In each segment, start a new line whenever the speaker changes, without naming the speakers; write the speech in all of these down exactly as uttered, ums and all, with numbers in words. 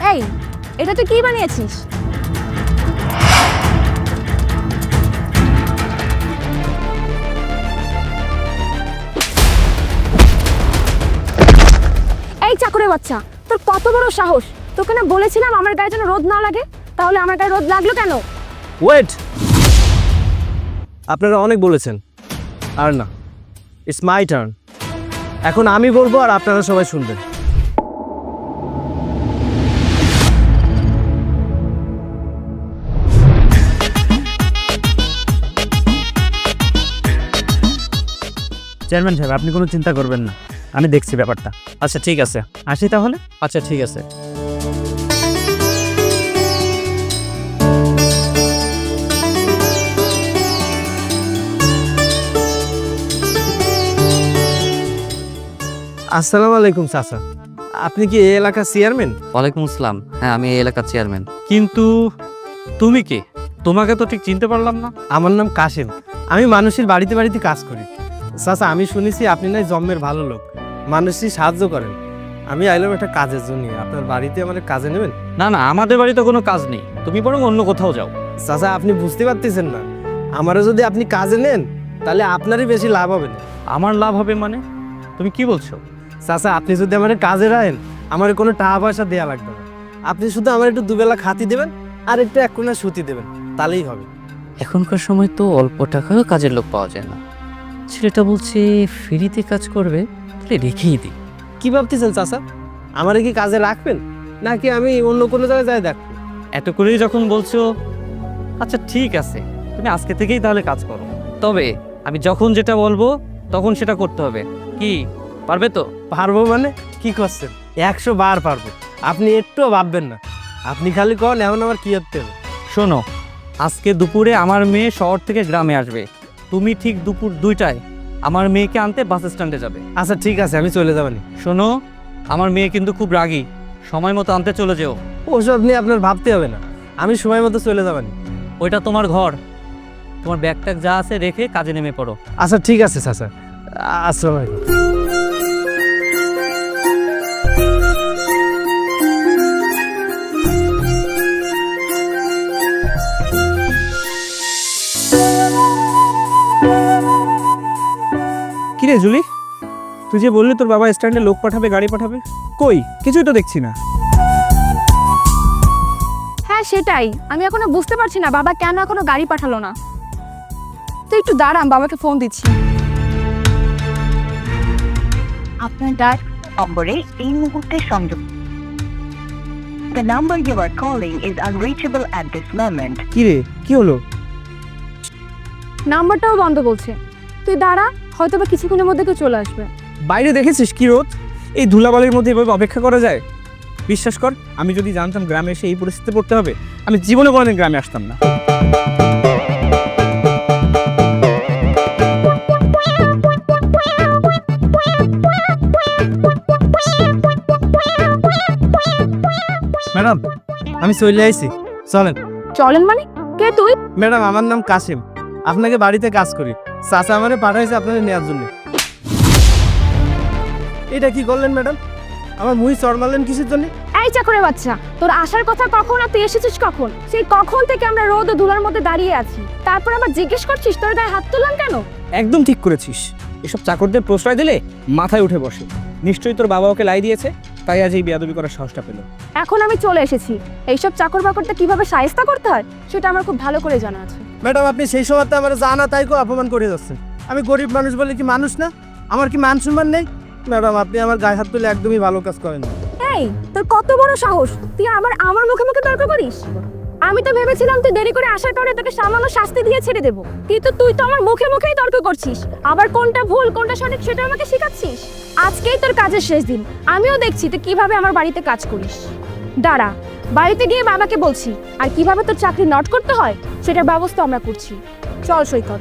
এই, এটা তুই কি বানিয়েছিস? এই চাকরের বাচ্চা, তোর কত বড় সাহস! তোকে না বলেছিলাম আমার গায়ে যেন রোদ না লাগে, তাহলে আমার গায়ে রোদ লাগলো কেন?
ওয়েট, আপনারা অনেক বলেছেন, আর না, ইটস মাই টার্ন। এখন আমি বলবো আর আপনারা সবাই শুনবেন।
চেয়ারম্যান সাহেব, আপনি কোনো চিন্তা করবেন না, আমি দেখছি ব্যাপারটা।
আচ্ছা ঠিক আছে,
আসি তাহলে।
আচ্ছা ঠিক আছে। আসসালামু আলাইকুম চাচা, আপনি কি এই এলাকার চেয়ারম্যান?
ওয়ালাইকুম আসসালাম। হ্যাঁ, আমি এই এলাকার চেয়ারম্যান।
কিন্তু তুমি কে? তোমাকে তো ঠিক চিনতে পারলাম না।
আমার নাম কাশেম, আমি মানুষের বাড়িতে বাড়িতে কাজ করি। চাচা, আমি শুনেছি আপনি নাই জন্মের ভালো লোক, মানুষই সাহায্য করেন। আমি আইলাম একটা কাজের জন্য, আপনার বাড়িতে আমার কাজে নেবেন?
না না, আমাদের বাড়িতে কোনো কাজ নেই, তুমি বরং অন্য কোথাও যাও।
চাচা, আপনি বুঝতে পারতেছেন না, আমারও যদি আপনি কাজে নেন তাহলে আপনারই বেশি লাভ হবে না।
আমার লাভ হবে মানে? তুমি কি বলছো?
চাচা, আপনি যদি আমার কাজে রাখেন আমার কোনো টাকা পয়সা দেওয়া লাগবে না, আপনি শুধু আমার একটু দুবেলা খাতি দেবেন আর একটু এক কোণা সুতি দেবেন, তাহলেই হবে।
এখনকার সময় তো অল্প টাকায়ও কাজের লোক পাওয়া যায় না। ছেলেটা বলছে ফ্রিতে কাজ করবে, তাহলে রেখেই দিই।
কি ভাবতেছেন চাচা, আমারে কি কাজে রাখবেন নাকি আমি অন্য কোনো জায়গায় যাই দেখবো?
এত করেই যখন বলছো, আচ্ছা ঠিক আছে, তুমি আজকে থেকেই তাহলে কাজ করো। তবে আমি যখন যেটা বলবো তখন সেটা করতে হবে। কি পারবে তো?
পারবো মানে কি করছেন? একশো বার পারবো, আপনি একটুও ভাববেন না। আপনি খালি কন এখন আমার কি করতে হবে।
শোনো, আজকে দুপুরে আমার মেয়ে শহর থেকে গ্রামে আসবে, তুমি ঠিক দুপুর দুইটায় আমার মেয়েকে আনতে বাস স্ট্যান্ডে যাবে।
আচ্ছা ঠিক আছে, আমি চলে যাবানি।
শোনো, আমার মেয়ে কিন্তু খুব রাগী, সময় মতো আনতে চলে যেও।
ওসব নিয়ে আপনার ভাবতে হবে না, আমি সময় মতো চলে যাবানি।
ওইটা তোমার ঘর, তোমার ব্যাগ ট্যাগ যা আছে রেখে কাজে নেমে পড়ো।
আচ্ছা ঠিক আছে চাচা, আসসালামু আলাইকুম।
কিরে জুলি, তুই যে বললি তোর বাবা স্ট্যান্ডে লোক পাঠাবে, গাড়ি পাঠাবে, কই কিছুই তো দেখছি না।
হ্যাঁ সেটাই, আমি এখনো বুঝতে পারছি না বাবা কেন এখনো গাড়ি পাঠালো না। তুই একটু দাঁড়ান, বাবাকে ফোন দিচ্ছি।
আপনার ডায়াল নম্বরে এই মুহূর্তে সংযোগ। The number you are calling is unreachable at this moment.
কিরে কি হলো?
নাম্বারটাও বন্ধ বলছে। তুই দাঁড়া, হয়তো বা কিছুক্ষণের মধ্যে কেউ চলে আসবে।
বাইরে দেখেছিস কি রোদ, এই ধুলাবালির মধ্যে এভাবে অপেক্ষা করা যায়? বিশ্বাস কর, আমি যদি জানতাম গ্রামে এসে এই পরিস্থিতিতে পড়তে হবে, আমি জীবনে কোনোদিন গ্রামে আসতাম না।
ম্যাডাম, আমি চলে আইছি, চলেন।
চলেন মানে? কে তুই?
ম্যাডাম, আমার নাম কাসিম, আপনাকে বাড়িতে কাজ করি। চাচা আমারে পাঠাইছে আপনাদের নেওয়ার জন্য। এটা কি করলেন ম্যাডাম? আমার মুই চড় মারলেন কিসের জন্য?
এই চাকরের বাচ্চা, তোর আসার কথা কখন আর তুই এসেছিস কখন? সেই কখন থেকে আমরা রোদ ও ধুলার মধ্যে দাঁড়িয়ে আছি, তারপর আবার জিজ্ঞেস করছিস তোর গায়ে হাত তুললাম কেন?
একদম ঠিক করেছিস, এসব চাকরদের প্রশ্রয় দিলে মাথায় উঠে বসে। নিশ্চয়ই তোর বাবা ওকে লাই দিয়েছে, তাই আজ এই বেয়াদবি করার সাহসটা পেল।
এখন আমি চলে এসেছি, এইসব চাকর বাকরটা কিভাবে শায়েস্তা করতে হয় সেটা আমার খুব ভালো করে জানা আছে।
ম্যাডাম, আপনি সেই সময় আমার জানা তাই কো অপমান করে যাচ্ছেন। আমি গরিব মানুষ বলে কি মানুষ না? আমার কি মান সম্মান নেই? ম্যাডাম, আপনি আমার গায়ে হাত তুলে একদমই ভালো কাজ করেন না।
এই, তোর কত বড় সাহস, তুই আবার আমার মুখে মুখে তর্ক করিস? আমি তো ভেবেছিলাম তুই দেরি করে আসার কারণে তোকে সামান্য শাস্তি দিয়ে ছেড়ে দেবো, কিন্তু তুই তো আমার মুখে মুখেই তর্ক করছিস। আবার কোনটা ভুল কোনটা সঠিক সেটা আমাকে শেখাচ্ছিস। আজকেই তোর কাজের শেষ দিন, আমিও দেখছি তুই কিভাবে আমার বাড়িতে কাজ করিস। দাঁড়া, বাড়িতে গিয়ে বাবাকে বলছি, আর কিভাবে তোর চাকরি নট করতে হয় সেটার ব্যবস্থা আমরা করছি। চল সৈকত।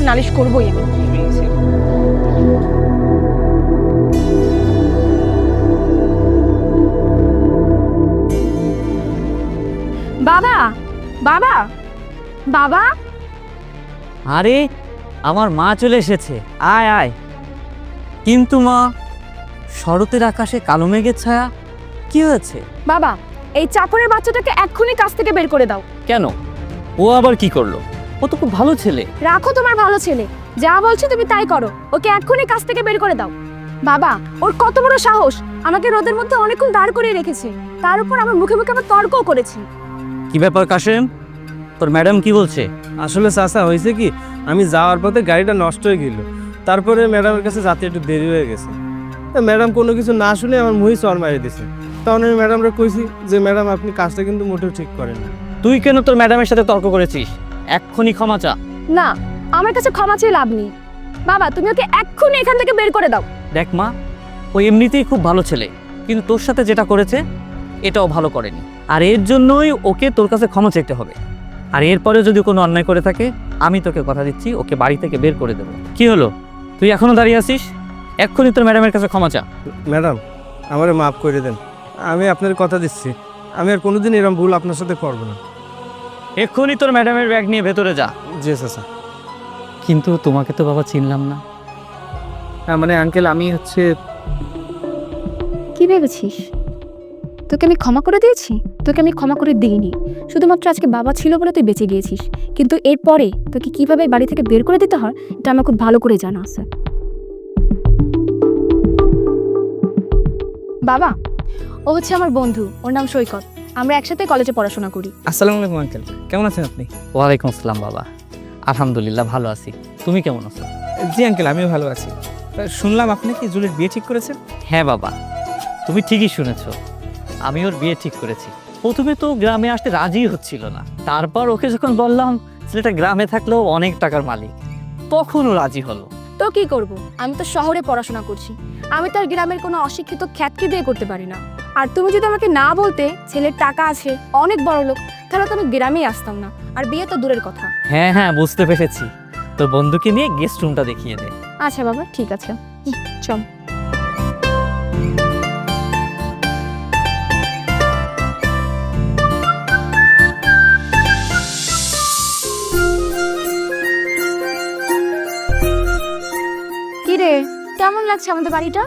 নালিশ করবোই আমি। বাবা, বাবা, বাবা,
আরে আমার মা চলে এসেছে, আয় আয়। কিন্তু মা, শরতের আকাশে কালো মেঘের ছায়া, কি হয়েছে?
বাবা, এই চাকরের বাচ্চাটাকে এক্ষুনি কাছ থেকে বের করে দাও।
কেন, ও আবার কি করলো? ও তো খুব ভালো ছেলে।
রাখো তোমার ভালো ছেলে, যা বলছি তুমি তাই করো। ওকে এক্ষুনি কাছ থেকে বের করে দাও। বাবা, ওর কত বড় সাহস, আমাকে রোদের মধ্যে অনেকক্ষণ দাঁড় করিয়ে রেখেছে, তার উপর আমার মুখে মুখে আবার তর্কও করেছে।
কি ব্যাপার কাশেম, তোর ম্যাডাম কি বলছে?
আসলে চাচা হয়েছে কি, আমি যাওয়ার পথে গাড়িটা নষ্ট হয়ে গেল, তারপরে ম্যাডামের কাছে যাতে একটু দেরি হয়ে গেছে। ম্যাডাম কোনো কিছু না শুনে আমার মুহি চর মারিয়ে দিছে। তখন আমি ম্যাডামরা কইছি যে ম্যাডাম আপনি কাজটা কিন্তু মোটেও ঠিক করেন না।
তুই কেন তোর ম্যাডামের সাথে তর্ক করেছিস? এক্ষুনি ক্ষমা চা।
না, আমার কাছে ক্ষমা চেয়ে লাভ নেই। বাবা, তুমি ওকে এক্ষুনি এখান থেকে বের করে দাও।
দেখ মা, ও এমনিতেই খুব ভালো ছেলে, কিন্তু তোর সাথে যেটা করেছে এটাও ভালো করেনি, আর এর জন্যই ওকে তোর কাছে ক্ষমা চাইতে হবে। আর এরপরে যদি কোনো অন্যায় করে থাকে, আমি তোকে কথা দিচ্ছি ওকে বাড়ি থেকে বের করে দেবো। কি হলো, তুই এখনো দাঁড়িয়ে আছিস? এক্ষুনি তোর ম্যাডামের কাছে ক্ষমা চা।
ম্যাডাম, আমারে মাফ করে দেন, আমি আপনার কথা দিচ্ছি আমি আর কোনোদিন এরকম ভুল আপনার সাথে করবো না।
এক্ষুনি তোর ম্যাডামের ব্যাগ নিয়ে ভেতরে যা।
জি চাচা।
কিন্তু তোমাকে তো বাবা চিনলাম না।
হ্যাঁ মানে আঙ্কেল, আমি হচ্ছে
কি ভেবেছিস তোকে আমি ক্ষমা করে দিয়েছি? তোকে আমি ক্ষমা করে দিইনি, শুধুমাত্র আজকে বাবা ছিল বলে তুই বেঁচে গিয়েছিস, কিন্তু এরপরে তোকে কিভাবে বাড়ি থেকে বের করে দিতে হয় এটা আমার খুব ভালো করে জানা আছে। বাবা, ও হচ্ছে আমার বন্ধু, ওর নাম সৈকত, আমরা একসাথে কলেজে পড়াশোনা করি।
আসসালামু আলাইকুম আঙ্কেল, কেমন আছেন আপনি?
ওয়ালাইকুম আসসালাম বাবা, আলহামদুলিল্লাহ ভালো আছি। তুমি কেমন আছো?
জি আঙ্কেল, আমিও ভালো আছি। তা শুনলাম আপনি কি জুলির বিয়ে ঠিক করেছেন?
হ্যাঁ বাবা, তুমি ঠিকই শুনেছ, আমি ওর বিয়ে ঠিক করেছি। প্রথমে তো গ্রামে আসতে রাজিই হচ্ছিল না, তারপর ওকে যখন বললাম ছেলেটা গ্রামে থাকলেও অনেক টাকার মালিক, তখন ও রাজি হলো।
তো কি করব, আমি তো শহরে পড়াশোনা করছি, আমি তো আর গ্রামের কোনো অশিক্ষিত খ্যাতকে দিয়ে করতে পারি না। আর তুমি যদি আমাকে না বলতে ছেলের টাকা আছে, অনেক বড় লোক, তাহলে তো আমি গ্রামেই আসতাম না, আর বিয়ে তো দূরের কথা।
হ্যাঁ হ্যাঁ বুঝতে পেরেছি, তোর বন্ধুকে নিয়ে গেস্ট রুমটা দেখিয়ে দে।
আচ্ছা বাবা, ঠিক আছে, হুম, চল। কি রে, কেমন লাগছে আমাদের বাড়িটা?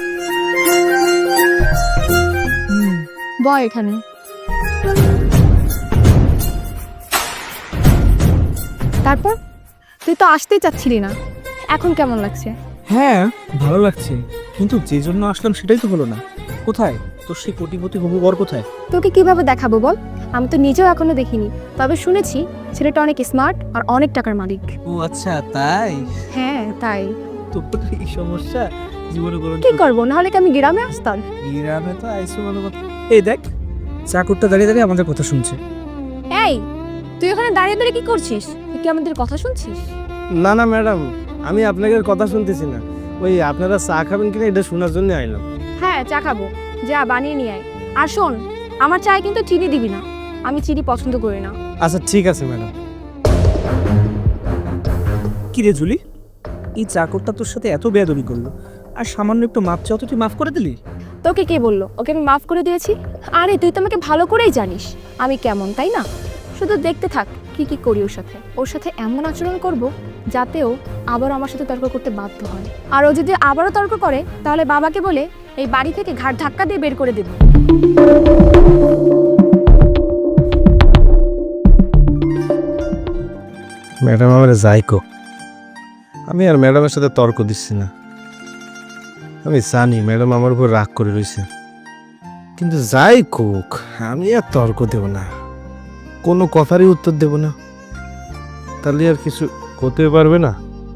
বয় এখানে। তারপর তুই তো আসতেই চাচ্ছিলি না, এখন কেমন লাগছে?
হ্যাঁ ভালো লাগছে, কিন্তু যে জন্য আসলাম সেটাই তো হলো না। কোথায় তোর সেই কোটিপতি হবু বর কোথায়?
তোকে কিভাবে দেখাবো বল, আমি তো নিজেও এখনো দেখিনি, তবে শুনেছি ছেলেটা অনেক স্মার্ট আর অনেক টাকার মালিক।
ও আচ্ছা, তাই?
হ্যাঁ তাই।
তোর এই সমস্যা জীবনে কোনো
কি করবো, নাহলে কি আমি গ্রামে আসতাম?
গ্রামে তো আইসো ভালো কথা। এই দেখ, চাকরটা দাঁড়িয়ে দাঁড়িয়ে আমাদের কথা শুনছে।
এই, তুই ওখানে দাঁড়িয়ে দাঁড়িয়ে কি করছিস? তুই কি আমাদের কথা শুনছিস?
না না ম্যাডাম, আমি আপনাদের কথা শুনতেছি না, ওই আপনারা চা খাবেন কিনা এটা শোনার জন্য আইলাম।
হ্যাঁ চা খাবো, যা বানিয়ে নিয়ে আয়। আর শোন, আমার চায়ে কিন্তু চিনি দিবি না, আমি চিনি পছন্দ করি না।
আচ্ছা ঠিক আছে ম্যাডাম।
কি রে জুলি, এই চাকরটা তোর সাথে এত বেয়াদবি করলো, আর সামান্য একটু মাপ চাও তো তুই মাফ করে দিলি?
তোকে কে বললো ওকে আমি মাফ করে দিয়েছি? আরে তুই তো আমাকে ভালো করেই জানিস আমি কেমন, তাই না? শুধু দেখতে থাক কি কি করি ওর সাথে। ওর সাথে এমন আচরণ করব যাতে ও আবার আমার সাথে তর্ক করতে বাধ্য হয়। আর ও যদি আবারও তর্ক করে তাহলে বাবাকে বলে এই বাড়ি থেকে ঘাট ধাক্কা দিয়ে বের করে দেব।
ম্যাডাম আমার যাইকো, আমি আর ম্যাডামের সাথে তর্ক দিচ্ছি না। আমি জানি ম্যাডাম আমার উপর রাগ করে রয়েছে, কিন্তু যাই কোক আমি আর তর্ক দেব না, কোনো কথারই উত্তর দেব না, তাহলে আর কিছু হতে পারবে না।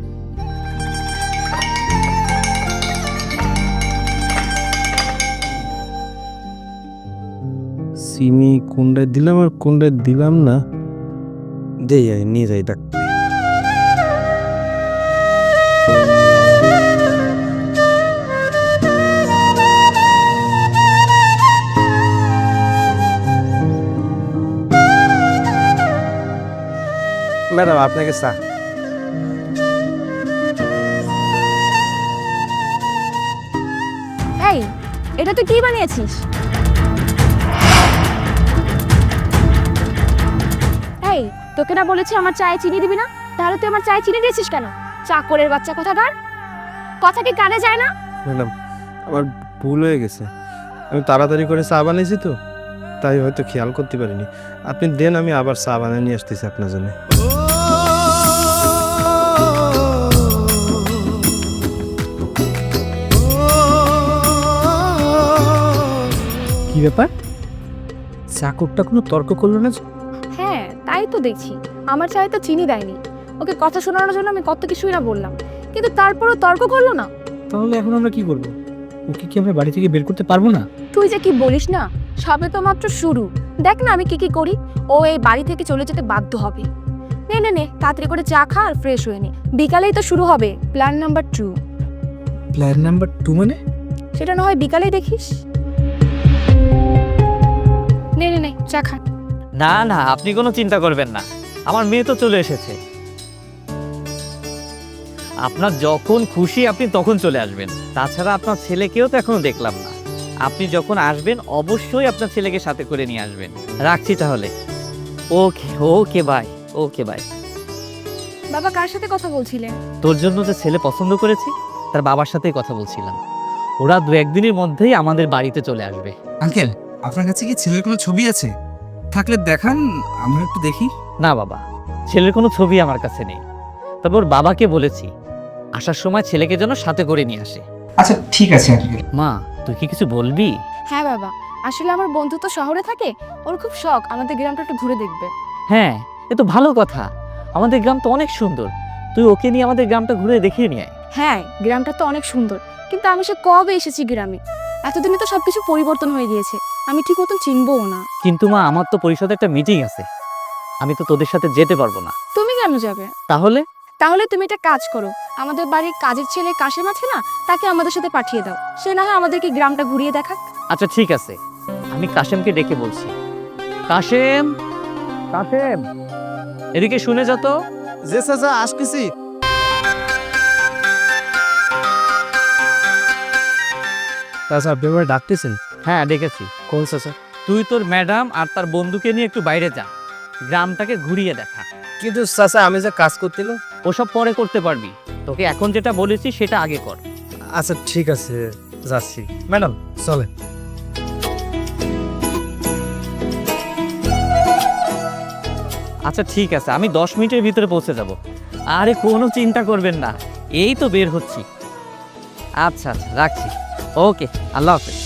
সিমি কোনটায় দিলাম আর কোনটায় দিলাম না, দে যাই নিয়ে যাই ডাক্তার। ম্যাডাম আপনাকে চা।
এই এটা তুই কি বানিয়েছিস? এই তোকে না বলেছি আমার চায়ে চিনি দিবি না, তাহলে তুই আমার চায়ে চিনি দিয়েছিস কেন? চাকরের বাচ্চা কথাটার কথা কি কানে যায় না?
ম্যাডাম আমার ভুল হয়ে গেছে, আমি তাড়াতাড়ি করে চা বানিয়েছি তো, তাই হয়তো খেয়াল করতে পারিনি। আপনি দেন, আমি আবার চা বানিয়ে নিয়ে আসতেছি আপনার জন্য।
কি ব্যাপার, চাকরটা কোনো তর্ক করলো না?
হ্যাঁ তাই তো দেখছি, আমার চায়ে তো চিনি দেয়নি। ওকে কথা শোনানোর জন্য আমি কত কিছুই না বললাম, কিন্তু তারপরও তর্ক করলো না।
তাহলে এখন আমরা কি করবো? ওকে কি আমরা বাড়ি থেকে বের করতে পারবো না?
তুই যে কি বলিস না, সবে তো মাত্র শুরু। দেখ না আমি কি কি করি, ও এই বাড়ি থেকে চলে যেতে বাধ্য হবে। নে নে নে তাড়াতাড়ি করে চা খা আর ফ্রেশ হয়ে নে, বিকালেই তো শুরু হবে plan number two.
Plan number two মানে?
সেটা না হয় বিকালেই দেখিস। নে নে নে চা খা।
না না, আপনি কোনো চিন্তা করবেন না, আমার মেয়ে তো চলে এসেছে। আপনার যখন খুশি আপনি তখন চলে আসবেন। তাছাড়া আপনার ছেলেকেও তো এখনো দেখলাম না। আপনি যখন আসবেন অবশ্যই আপনার ছেলেকে সাথে করে নিয়ে আসবেন। রাখছি তাহলে। Okay okay bye, okay bye.
বাবা কার সাথে কথা বলছিলেন?
তোর জন্য যে ছেলে পছন্দ করেছি তার বাবার সাথেই কথা বলছিলাম। ওরা দু একদিনের মধ্যেই আমাদের বাড়িতে চলে আসবে।
আঙ্কেল, আপনার কাছে কি ছেলের কোনো ছবি আছে? থাকলে দেখান, আমরা একটু দেখি।
না বাবা, ছেলের কোনো ছবি আমার কাছে নেই, তবে ওর বাবাকে বলেছি আসার সময় ছেলেকে যেন সাথে করে নিয়ে আসে।
আচ্ছা ঠিক আছে আঙ্কেল।
মা তুই কি কিছু বলবি?
হ্যাঁ বাবা, আসলে আমার বন্ধু তো শহরে থাকে, ওর খুব শখ আমাদের গ্রামটা একটু ঘুরে দেখবে।
হ্যাঁ এ তো ভালো কথা, আমাদের গ্রাম তো অনেক সুন্দর, তুই ওকে নিয়ে আমাদের গ্রামটা ঘুরে দেখিয়ে নিয়ে আয়।
হ্যাঁ গ্রামটা তো অনেক সুন্দর, কিন্তু আমি সে কবে এসেছি গ্রামে, এতদিনে তো সবকিছু পরিবর্তন হয়ে গিয়েছে, আমি ঠিক মতন চিনবও না।
কিন্তু মা আমার তো পরিষদে একটা মিটিং আছে, আমি তো তোদের সাথে যেতে পারবো না।
তুমি কেন যাবে?
তাহলে?
তাহলে তুমি একটা কাজ করো, আমাদের বাড়ির কাজের ছেলে কাশেম আছে না, তাকে আমাদের সাথে পাঠিয়ে দাও, সে না হয় আমাদেরকে গ্রামটা ঘুরিয়ে দেখাক।
আচ্ছা ঠিক আছে, আমি কাশেমকে ডেকে বলছি। কাশেম, কাশেম এদিকে শুনে যা তো।
যে চাচা আসতেছি। চাচা আপনি আমার ডাকতেছেন?
হ্যাঁ ডেকেছি।
কোন চাচা?
তুই তোর ম্যাডাম আর তার বন্ধুকে নিয়ে একটু বাইরে যা, গ্রামটাকে ঘুরিয়ে দেখা।
কিন্তু চাচা আমি যে কাজ করছিল।
ওসব পরে করতে পারবি, তোকে এখন যেটা বলেছি সেটা আগে কর।
আচ্ছা ঠিক আছে যাচ্ছি। ম্যাডাম চলে।
আচ্ছা ঠিক আছে, আমি দশ মিনিটের ভিতরে পৌঁছে যাব। আরে কোনো চিন্তা করবেন না, এই তো বের হচ্ছি। আচ্ছা আচ্ছা রাখছি, ওকে আল্লাহ হাফেজ।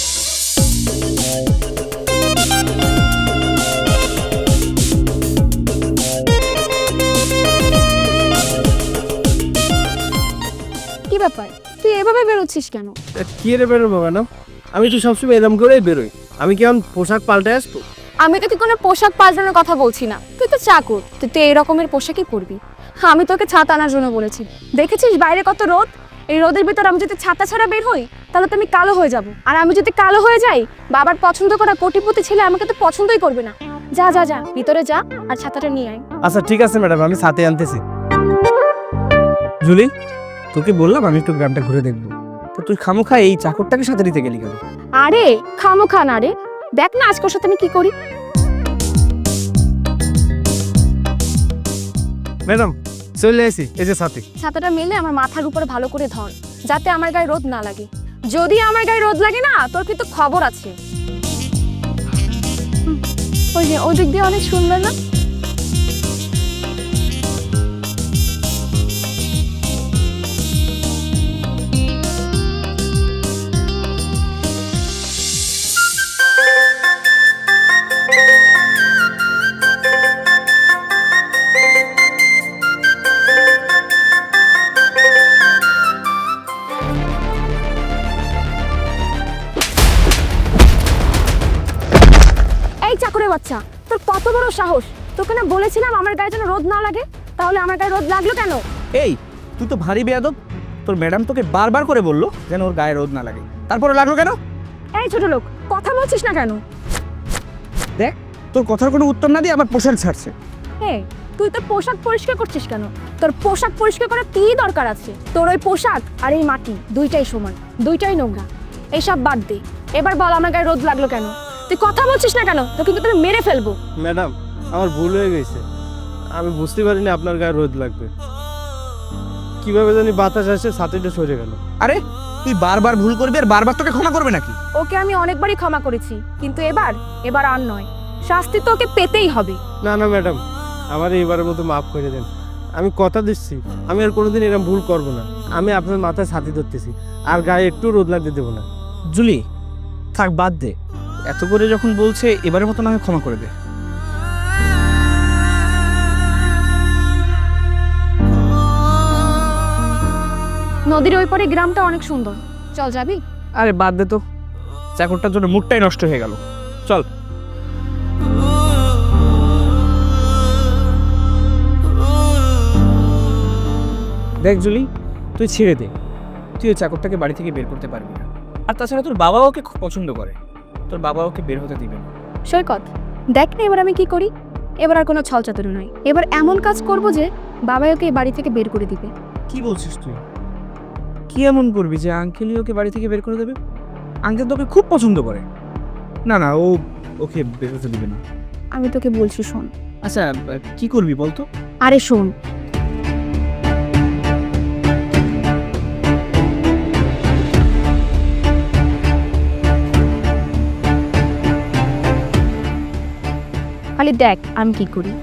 কি ব্যাপার, তুই এভাবে বেরোচ্ছিস কেন?
কি রে বেরোবো ম্যাডাম, আমি তো সবসময় এরকম করেই বেরোই। আমি কেমন পোশাক পাল্টে আসবো?
আমি তোকে কোনো পোশাক পাল্টানোর কথা বলছি না, তুই তো চাকর, তুই তো এই রকমের পোশাকই পরবি। আমি তোকে ছাতা আনার জন্য বলেছি, দেখেছিস বাইরে কত রোদ, এই রোদের ভিতর আমি যদি ছাতা ছাড়া বের হই তাহলে তো আমি কালো হয়ে যাব, আর আমি যদি কালো হয়ে যাই বাবার পছন্দ করা কোটিপতি ছেলে আমাকে তো পছন্দই করবে না। যা যা যা ভিতরে যা আর ছাতাটা নিয়ে আয়।
আচ্ছা ঠিক আছে ম্যাডাম, আমি সাথে আনতেছি।
জুলি, তোকে বললাম আমি একটু গ্রামটা ঘুরে দেখবো, তো তুই খামোখা এই চাকরটাকে সাথে নিতে গেলি কেন?
আরে খামোখা না রে, দেখ না আজকের সাথে আমি কি করি।
ম্যাডাম চলে আসি, এই যে সাথে।
ছাতাটা মেলে আমার মাথার উপরে ভালো করে ধর, যাতে আমার গায়ে রোদ না লাগে। যদি আমার গায়ে রোদ লাগে না তোর কিন্তু খবর আছে। হুম, ওই যে ওই দিক দিয়ে অনেক সুন্দর না? এই চাকরের বাচ্চা, তোর কত বড় সাহস! তোকে না বলেছিলাম আমার গায়ে যেন রোদ না লাগে, তাহলে আমার গায়ে রোদ লাগলো কেন?
এই তুই তো ভারী বেয়াদব, তোর ম্যাডাম তোকে বারবার করে বললো যেন ওর গায়ে রোদ না লাগে, তারপরে লাগলো কেন?
এই ছোট লোক, কথা বলছিস না কেন?
দেখ, তোর কথার কোনো উত্তর না দিয়ে আমার পোশাক ছাড়ছে।
এই তুই তোর পোশাক পরিষ্কার করছিস কেন? তোর পোশাক পরিষ্কার করার কি দরকার আছে? তোর ওই পোশাক আর এই মাটি দুইটাই সমান, দুইটাই নোংরা। এইসব বাদ দে। এবার বল আমার গায়ে রোদ লাগলো কেন? তুই কথা বলছিস না কেন? তো কিন্তু তোকে মেরে ফেলবো।
ম্যাডাম আমার ভুল হয়ে গেছে, আমি বুঝতে পারিনি আপনার গায়ে রোদ লাগবে। কিভাবে জানি বাতাস আসে ছাতিটা সরে গেল।
আরে তুই বারবার ভুল করবি আর বারবার তোকে ক্ষমা করবে নাকি?
ওকে আমি অনেকবারই ক্ষমা করেছি, কিন্তু এবার এবার আর নয়। শাস্তি তো ওকে পেতেই হবে।
না না ম্যাডাম, আমার এইবারের মতো মাফ করে দেন। আমি কথা দিচ্ছি আমি আর কোনোদিন এরকম ভুল করব না। আমি আপনার মাথায় ছাতি ধরতেছি, আর গায়ে একটু রোদ লাগতে দেবো না।
জুলি থাক, বাদ দে। এত করে যখন বলছে এবারের মতো না হয় ক্ষমা করে দে।
নদীর ওই পারে গ্রামটা অনেক সুন্দর, চল যাবি?
আরে বাদ দে তো, চাকরটার জন্য মুডটাই নষ্ট হয়ে গেল। চল। দেখ জুলি, তুই ছেড়ে দে। তুই ওই চাকরটাকে বাড়ি থেকে বের করতে পারবি না। আর তাছাড়া তোর বাবা ওকে খুব পছন্দ করে, তোর বাবা ওকে বের হতে দিবে না।
সৈকত, দেখ না এবার আমি কি করি। এবার আর কোনো ছলচাতুরি নয়, এবার এমন কাজ করব যে বাবা ওকে এই বাড়ি থেকে বের করে দিবে।
কি বলছিস তুই? কি এমন করবি যে আঙ্কেলই ওকে বাড়ি থেকে বের করে দেবে? আঙ্কেল তোকে খুব পছন্দ করে। না না, ও ওকে বের হতে দিবে না।
আমি তোকে বলছি শোন।
আচ্ছা কি করবি বলতো?
আরে শোন, খালি দেখ আমি কি করি।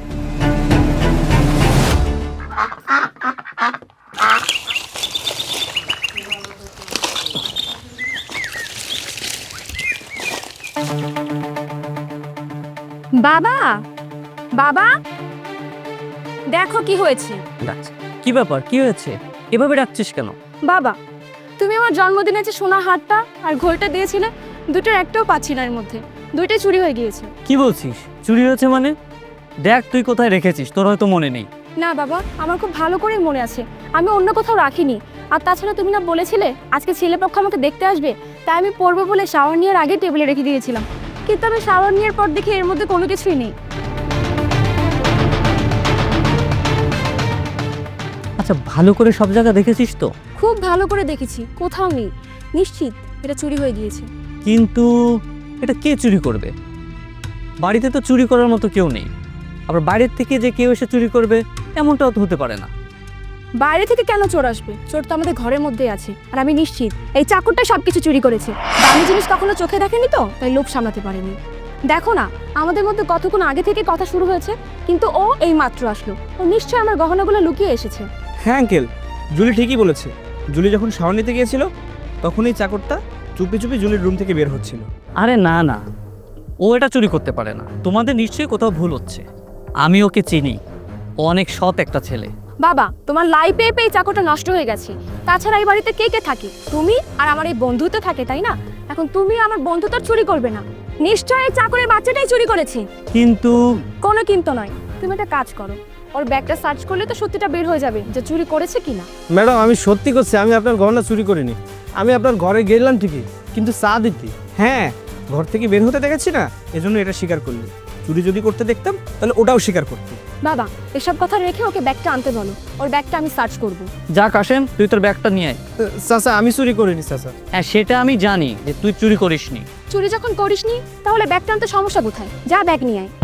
বাবা, বাবা, দেখো কি হয়েছে।
ডাকছে। কি ব্যাপার, কি হয়েছে? এভাবে ডাকছিস কেন?
বাবা, তুমি আমার জন্মদিনে যে সোনা হারটা আর ঘোলটা দিয়েছিলে, দুটোর একটাও পাচ্ছি না এর মধ্যে। দুইটাই চুরি হয়ে গিয়েছে।
কি বলছিস? চুরি হয়েছে মানে? দেখ তুই কোথায় রেখেছিস, তোর হয়তো মনে নেই।
না বাবা, আমার খুব ভালো করে মনে আছে, আমি অন্য কোথাও রাখিনি। আর তাছাড়া তুমি না বলেছিলে আজকে ছেলেপক্ষ আমাকে দেখতে আসবে, তাই আমি পড়বো বলে শাওয়ার নেওয়ার আগে টেবিলে রেখে দিয়েছিলাম। কিন্তু আমি শাওয়ার নেওয়ার পর দেখি এর মধ্যে কোনো কিছুই নেই।
আচ্ছা ভালো করে সব জায়গা দেখেছিস তো?
খুব ভালো করে দেখেছি, কোথাও নেই। নিশ্চিত এটা চুরি হয়ে গিয়েছে।
কিন্তু এটা কে চুরি করবে? বাড়িতে তো চুরি করার মতো কেউ নেই। আবার বাইরের থেকে যে কেউ এসে চুরি করবে এমনটাও তো হতে পারে না।
বাইরে থেকে কেন চোর আসবে? চোর তো আমাদের ঘরের মধ্যেই আছে। আর আমি নিশ্চিত এই চাকরটা সবকিছু চুরি করেছে। দামি জিনিস কখনো চোখে দেখেনি তো, তাই লোভ সামলাতে পারেনি। দেখো না, আমাদের মধ্যে কতক্ষণ আগে থেকে কথা শুরু হয়েছে, কিন্তু ও এই মাত্র আসলো। ও নিশ্চয়ই আমার গহনাগুলো লুকিয়ে এসেছে।
হ্যাঁ আঙ্কেল, জুলি ঠিকই বলেছে। জুলি যখন শাওয়ার নিতে গিয়েছিল তখন এই চাকরটা চুপি চুপি জুলির রুম থেকে বের হচ্ছিল।
আরে না না, ও এটা চুরি করতে পারে না। তোমাদের নিশ্চয়ই কোথাও ভুল হচ্ছে। আমি ওকে চিনি, ও অনেক সৎ একটা ছেলে।
বাবা, তোমার লাই পেয়ে পেয়ে চাকরটা নষ্ট হয়ে গেছে। তাছাড়া এই বাড়িতে কে কে থাকে? তুমি আর আমার এই বন্ধু তো থাকে, তাই না? এখন তুমি আমার বন্ধু তো আর চুরি করবে না। নিশ্চয়ই এই চাকরের বাচ্চাটাই চুরি করেছে।
কিন্তু
কোনো কিন্তু নয়, তুমি একটা কাজ করো, ওর ব্যাগটা সার্চ করলে তো সত্যিটা বের হয়ে যাবে যে চুরি করেছে কিনা।
ম্যাডাম আমি সত্যি করছি, আমি আপনার গহনা চুরি করিনি। আমি আপনার ঘরে গেলাম ঠিকই, কিন্তু চা দিতি।
হ্যাঁ, ঘর থেকে বের হতে দেখেছি না, এজন্য এটা স্বীকার করলি। চুরি যদি করতে দেখতাম তাহলে ওটাও স্বীকার করতি।
বাবা, এসব কথা রেখে ওকে ব্যাগটা আনতে বলো। ওর ব্যাগটা আমি সার্চ করব।
যা কাশেম, তুই তোর ব্যাগটা নিয়ে আয়।
চাচা আমি চুরি করিনি চাচা।
হ্যাঁ সেটা আমি জানি যে তুই চুরি করিসনি।
চুরি যখন করিসনি তাহলে ব্যাগটা আনতে সমস্যা কোথায়? যা ব্যাগ নিয়ে আয়।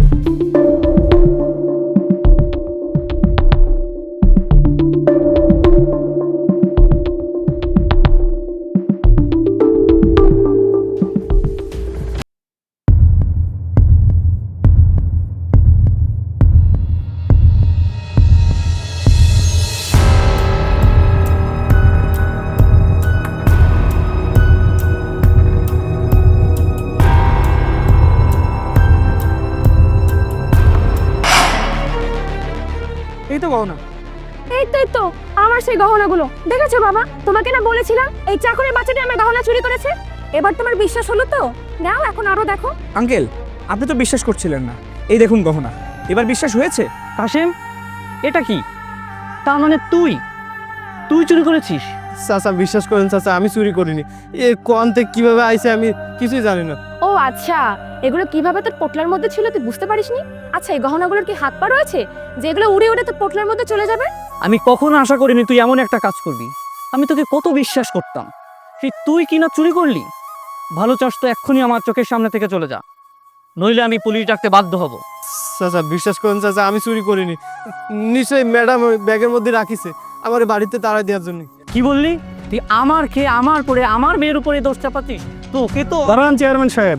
এই তো গহনা।
এই তো এই তো আমার সেই গহনাগুলো। দেখেছো বাবা, তোমাকে না বলেছিলাম এই চাকরের বাচ্চাটা আমার গহনা চুরি করেছে। এবার তোমার বিশ্বাস হলো তো? নাও এখন আরো দেখো।
আঙ্কেল, আপনি তো বিশ্বাস করছিলেন না, এই দেখুন গহনা। এবার বিশ্বাস হয়েছে?
কাশেম, এটা কি? তার মানে তুই তুই চুরি করেছিস?
চাচা বিশ্বাস করেন চাচা, আমি চুরি করিনি। এ কোন থেকে কিভাবে আইছে আমি কিছুই জানি না।
ও আচ্ছা, এগুলো কিভাবে তোর পোটলার মধ্যে ছিল তুই বুঝতে পারিসনি? আচ্ছা, এই গহনাগুলোর কি হাত পা রয়েছে যে এগুলো উড়ে উড়ে তোর পোটলার মধ্যে চলে যাবে?
আমি কখনো আশা করিনি তুই এমন একটা কাজ করবি। আমি তোকে কত বিশ্বাস করতাম, সেই তুই কিনা চুরি করলি। ভালো চাস তো এক্ষুনি আমার চোখের সামনে থেকে চলে যা, নইলে আমি পুলিশ ডাকতে বাধ্য হব।
চাচা বিশ্বাস করুন চাচা, আমি চুরি করিনি। নিশ্চয়ই ম্যাডাম ওই ব্যাগের মধ্যে রাখিছে আমার বাড়িতে তাড়া দেওয়ার জন্য।
কি বললি তুই? আমার খেয়ে আমার পরে আমার মেয়ের উপরে দোষ চাপাচ্ছিস? তো ওকে তো
দাঁড়ান চেয়ারম্যান সাহেব।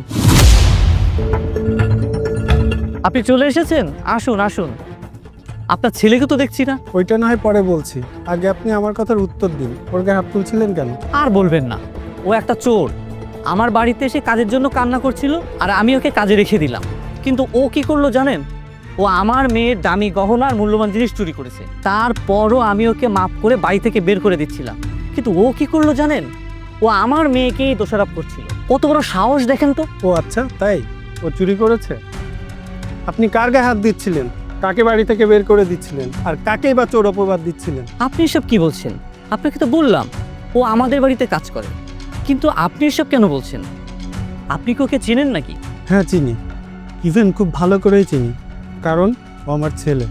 আপনি চলে এসেছেন, আসুন আসুন। আপনার ছেলেকে তো দেখছি না।
ওইটা না হয় পরে বলছি, আগে আপনি আমার কথার উত্তর দিন। ওর গায়ে হাত তুলছিলেন কেন?
আর বলবেন না, ও একটা চোর। আমার বাড়িতে এসে কাজের জন্য কান্না করছিল, আর আমি ওকে কাজে রেখে দিলাম। কিন্তু ও কি করলো জানেন? ও আমার মেয়ের দামি গহনা আর মূল্যবান জিনিস চুরি করেছে। তারপরও আমি ওকে মাফ করে বাড়ি থেকে বের করে দিচ্ছিলাম। কিন্তু ও কি করলো জানেন? ও আমার মেয়েকেই দোষারোপ করছিল। কত বড় সাহস দেখেন তো।
ও আচ্ছা, তাই? ও চুরি করেছে? আপনি কার গায়ে হাত দিচ্ছিলেন? কাকে বাড়ি থেকে বের করে দিচ্ছিলেন? আর কাকেই বা চোর অপবাদ দিচ্ছিলেন?
আপনি এসব কি বলছেন? আপনাকে তো বললাম ও আমাদের বাড়িতে কাজ করে, কিন্তু আপনি এসব কেন বলছেন? আপনি কি ওকে চেনেন নাকি?
হ্যাঁ চিনি, ইভেন খুব ভালো করেই চিনি, কারণ ও আমার ছেলে।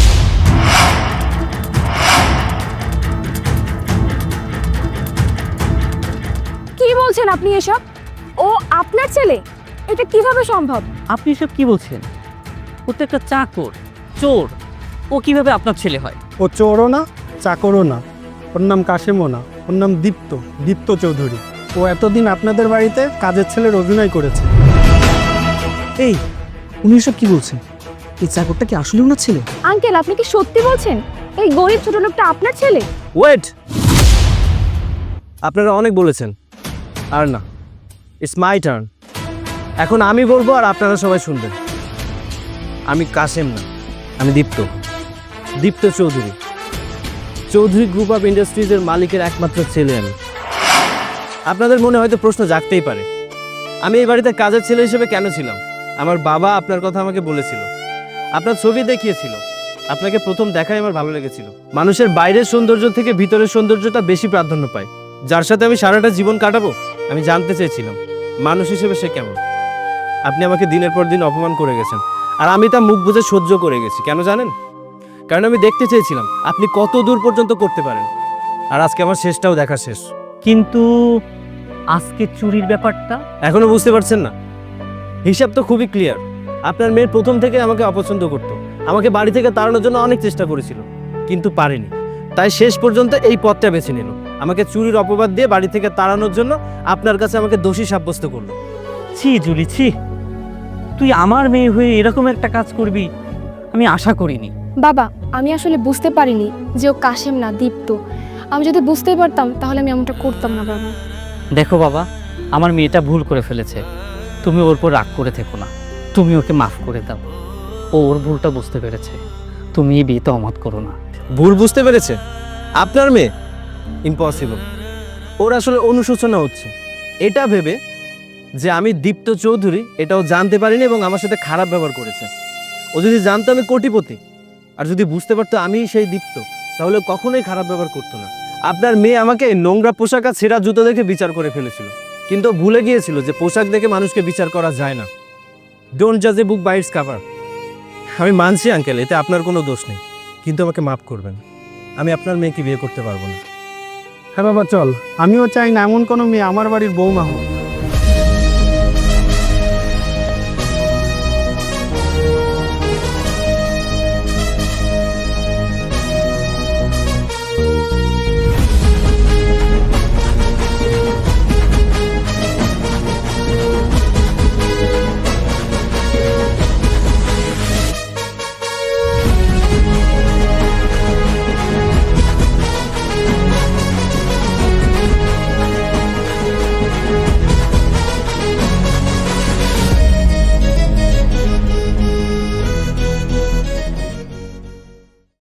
কি বলছেন আপনি এসব? ও আপনার ছেলে? এটা কিভাবে সম্ভব?
আপনি এসব কি বলছেন? ও তো একটা চাকর, চোর। ও কিভাবে আপনার ছেলে হয়?
ও চোরও না, চাকরও না। ওর নাম কাশেমও না, ওর নাম দীপ্ত, দীপ্ত চৌধুরী। ও এতদিন আপনাদের বাড়িতে কাজের ছেলের অভিনয় করেছে।
এই উনি এসব কি বলছেন? এই চাকরটা কি আসলে ওনার ছেলে?
আঙ্কেল, আপনি কি সত্যি বলছেন এই গরিব ছোট লোকটা আপনার ছেলে?
ওয়েট, আপনারা অনেক বলেছেন, আর না, ইটস মাই টার্ন। এখন আমি বলবো আর আপনারা সবাই শুনবেন। আমি কাশেম না, আমি দীপ্ত, দীপ্ত চৌধুরী। চৌধুরী গ্রুপ অফ ইন্ডাস্ট্রিজের মালিকের একমাত্র ছেলে আমি। আপনাদের মনে হয়তো প্রশ্ন জাগতেই পারে, আমি এই বাড়িতে কাজের ছেলে হিসেবে কেন ছিলাম? আমার বাবা আপনার কথা আমাকে বলেছিল, আপনার ছবি দেখিয়েছিল। আপনাকে প্রথম দেখাই আমার ভালো লেগেছিল। মানুষের বাইরের সৌন্দর্য থেকে ভিতরের সৌন্দর্যটা বেশি প্রাধান্য পায়। যার সাথে আমি সারাটা জীবন কাটাবো, আমি জানতে চেয়েছিলাম মানুষ হিসেবে সে কেমন। আপনি আমাকে দিনের পর দিন অপমান করে গেছেন, আর আমি তা মুখ বুজে সহ্য করে গেছি। কেন জানেন? কারণ আমি দেখতে চেয়েছিলাম আপনি কত দূর পর্যন্ত করতে পারেন। আর আজকে আমার শেষটাও দেখা শেষ।
কিন্তু আজকে চুরির ব্যাপারটা
এখনো বুঝতে পারছেন না? হিসাব তো খুবই ক্লিয়ার। আপনার মেয়ের প্রথম থেকে আমাকে অপছন্দ করত, আমাকে বাড়ি থেকে তাড়ানোর জন্য অনেক চেষ্টা করেছিল, কিন্তু পারেনি। তাই শেষ পর্যন্ত এই পথটা বেছে নিল, আমাকে চুরির অপবাদ দিয়ে বাড়ি থেকে তাড়ানোর জন্য আপনার কাছে আমাকে দোষী সাব্যস্ত করলো।
ছি জুলি, ছি। তুই আমার মেয়ে হয়ে এরকম একটা কাজ করবি আমি আশা করিনি।
বাবা, আমি আসলে বুঝতে পারিনি যে ও কাশেম না, দীপ্ত। আমি যদি বুঝতে পারতাম তাহলে আমি এমনটা করতাম না বাবা।
দেখো বাবা, আমার মেয়েটা ভুল করে ফেলেছে, তুমি ওর উপর রাগ করে থেকো না, তুমি ওকে মাফ করে দাও। ও ওর ভুলটা বুঝতে পেরেছে, তুমি এই বিয়েতে অমত করো না।
ভুল বুঝতে পেরেছে আপনার মেয়ে? ইম্পসিবল। ওর আসলে অনুশোচনা হচ্ছে এটা ভেবে যে আমি দীপ্ত চৌধুরী, এটাও জানতে পারিনি এবং আমার সাথে খারাপ ব্যবহার করেছে। ও যদি জানতো আমি কোটিপতি, আর যদি বুঝতে পারতো আমি সেই দীপ্ত, তাহলে কখনোই খারাপ ব্যবহার করতো না। আপনার মেয়ে আমাকে নোংরা পোশাক আর ছেঁড়া জুতো দেখে বিচার করে ফেলেছিল, কিন্তু ও ভুলে গিয়েছিল যে পোশাক দেখে মানুষকে বিচার করা যায় না। ডোন্ট জাজ a book by its cover. আমি মানছি আঙ্কেল, এতে আপনার কোনো দোষ নেই, কিন্তু আমাকে মাফ করবেন। আমি আপনার মেয়েকে বিয়ে করতে পারবো না।
হ্যাঁ বাবা চল, আমিও চাই না এমন কোনো মেয়ে আমার বাড়ির বৌমা হোক।